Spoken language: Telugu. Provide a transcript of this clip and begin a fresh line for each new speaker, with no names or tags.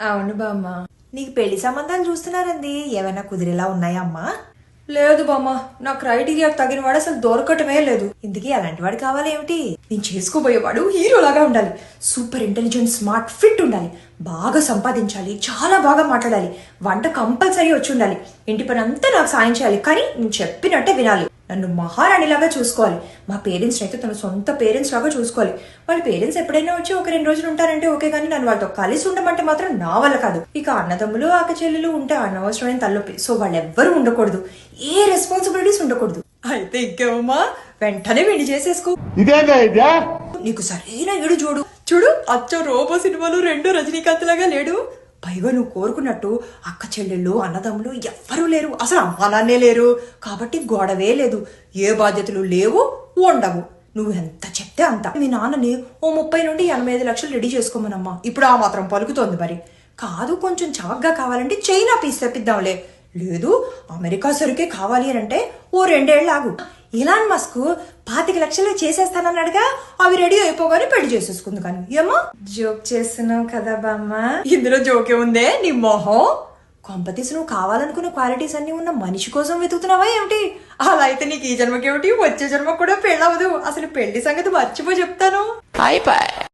అవును బామ్మ.
నీకు పెళ్లి సంబంధాలు చూస్తున్నారండి, ఏమైనా కుదిరేలా ఉన్నాయా అమ్మా?
లేదు బామ్మ, నా క్రైటీరియాకి తగిన వాడు అసలు దొరకటమే లేదు.
ఇందుకీ అలాంటి వాడు కావాలి ఏమిటి?
నేను చేసుకోబోయేవాడు హీరోలాగా ఉండాలి. సూపర్ ఇంటెలిజెంట్, స్మార్ట్, ఫిట్ ఉండాలి. బాగా సంపాదించాలి, చాలా బాగా మాట్లాడాలి, వంట కంపల్సరీ వచ్చి ఉండాలి, ఇంటి పని అంతా నాకు సాయం చేయాలి, కానీ నేను చెప్పినట్టే వినాలి. నన్ను మహారాణిలాగా చూసుకోవాలి. మా పేరెంట్స్ అయితే తన సొంత పేరెంట్స్ లాగా చూసుకోవాలి. వాళ్ళ పేరెంట్స్ ఎప్పుడైనా వచ్చి ఒక 2 రోజులు ఉంటారంటే ఓకే, కానీ నన్ను వాళ్ళతో కలిసి ఉండమంటే మాత్రం నా వల్ల కాదు. ఇక అన్నదమ్ములు అక్క చెల్లెలు ఉంటే అనవసరమైన తలనొప్పి. సో వాళ్ళు ఎవ్వరూ ఉండకూడదు, ఏ రెస్పాన్సిబిలిటీస్ ఉండకూడదు. అయితే ఇంకేమమ్మా, వెంటనే వెండి చేసేసుకో. నీకు సరైన ఏడు చూడు చూడు, అచ్చో రోబో సినిమాలో 2 రజనీకాంత్ లాగా లేడు. పైగా నువ్వు కోరుకున్నట్టు అక్క చెల్లెళ్ళు అన్నదమ్ములు ఎవ్వరూ లేరు, అసలు అమ్మా నాన్నే లేరు. కాబట్టి గొడవే లేదు, ఏ బాధ్యతలు లేవు, ఉండవు. నువ్వు ఎంత చెప్తే అంత. మీ నాన్నని ఓ 30 నుండి 85 లక్షలు రెడీ చేసుకోమనమ్మా. ఇప్పుడు ఆ మాత్రం పలుకుతోంది మరి. కాదు, కొంచెం చవకగా కావాలంటే చైనా పీస్ తెప్పిద్దాంలే. లేదు, అమెరికా సరుకే కావాలి అని అంటే ఓ 2 ఏళ్ళు ఆగు. ఇలాన్ మస్క్ 25 లక్షలు చేసేస్తానన్నాడుగా, అవి రెడీ అయిపోగానే పెళ్లి చేసేసుకుంది. కానీ ఏమో జోక్ చేస్తున్నావు కదా బామ్మ.
ఇందులో జోకే ఉందే నీ మొహం. కొంపతీసి నువ్వు కావాలనుకున్న క్వాలిటీస్ అన్ని ఉన్న మనిషి కోసం వెతుకుతున్నావా ఏమిటి? అలా అయితే నీకు ఈ జన్మకేమిటి, వచ్చే జన్మ కూడా పెళ్ళవదు. అసలు పెళ్లి సంగతి మర్చిపో చెప్తాను.